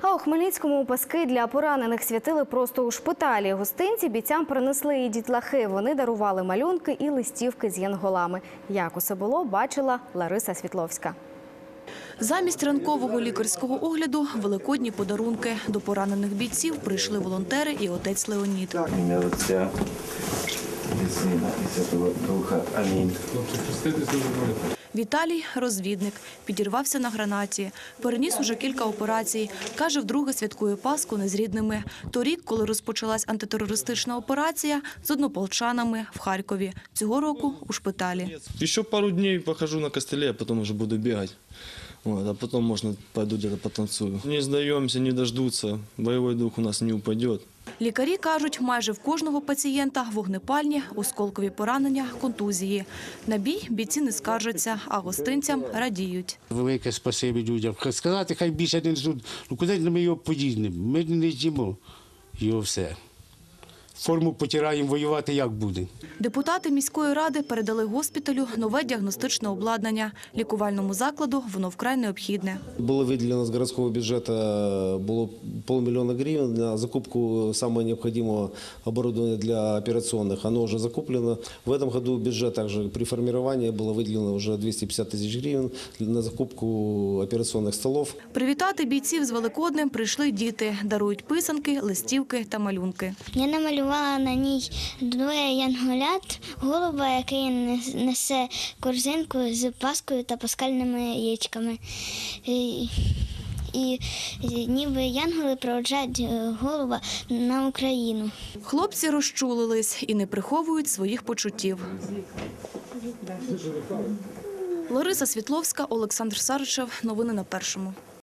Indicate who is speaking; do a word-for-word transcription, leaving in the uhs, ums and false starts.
Speaker 1: А у Хмельницькому паски для поранених святили просто у шпиталі. Гостинці бійцям принесли і дітлахи. Вони дарували малюнки і листівки з янголами. Як усе було, бачила Лариса Світловська.
Speaker 2: Замість ранкового лікарського огляду – великодні подарунки. До поранених бійців прийшли волонтери і отець Леонід.
Speaker 3: Ім'я Отця і Сина і Святого Духа. Амінь.
Speaker 2: Віталій – розвідник. Підірвався на гранаті. Переніс уже кілька операцій. Каже, вдруге святкує Пасху не з рідними. Торік, коли розпочалась антитерористична операція, з однополчанами в Харкові. Цього року – у шпиталі.
Speaker 4: Ще пару днів похожу на костелі, а потім вже буду бігати. Вот, а потом, можно, пойду где-то потанцую. Не сдаемся, не дождутся. Бойовий дух у нас не упадет.
Speaker 2: Лікарі кажуть, майже в кожного пацієнта вогнепальні, осколкові поранення, контузії. На бій бійці не скаржаться, а гостинцям радіють.
Speaker 5: Велике спасибі людям. Сказати, хай більше не ждуть. Ну куди ми його подінемо? Ми не з'їмо його все. Форму потираємо, воювати як буде.
Speaker 2: Депутати міської ради передали госпіталю нове діагностичне обладнання. Лікувальному закладу воно вкрай необхідне.
Speaker 6: Було виділено з міського бюджету було полмільйона гривень на закупку самого необхідного обладнання для операційних. Воно вже закуплено. В цьому році бюджет також при формуванні було виділено вже двісті п'ятдесят тисяч гривень на закупку операційних столів.
Speaker 2: Привітати бійців з Великоднем прийшли діти. Дарують писанки, листівки та малюнки.
Speaker 7: Я намалювала на ній двоє янголят, голуба, який несе корзинку з паскою та паскальними яєчками. І, і, і ніби янголи проводжають голуба на Україну.
Speaker 2: Хлопці розчулились і не приховують своїх почуттів. Лариса Світловська, Олександр Саричев. Новини на Першому.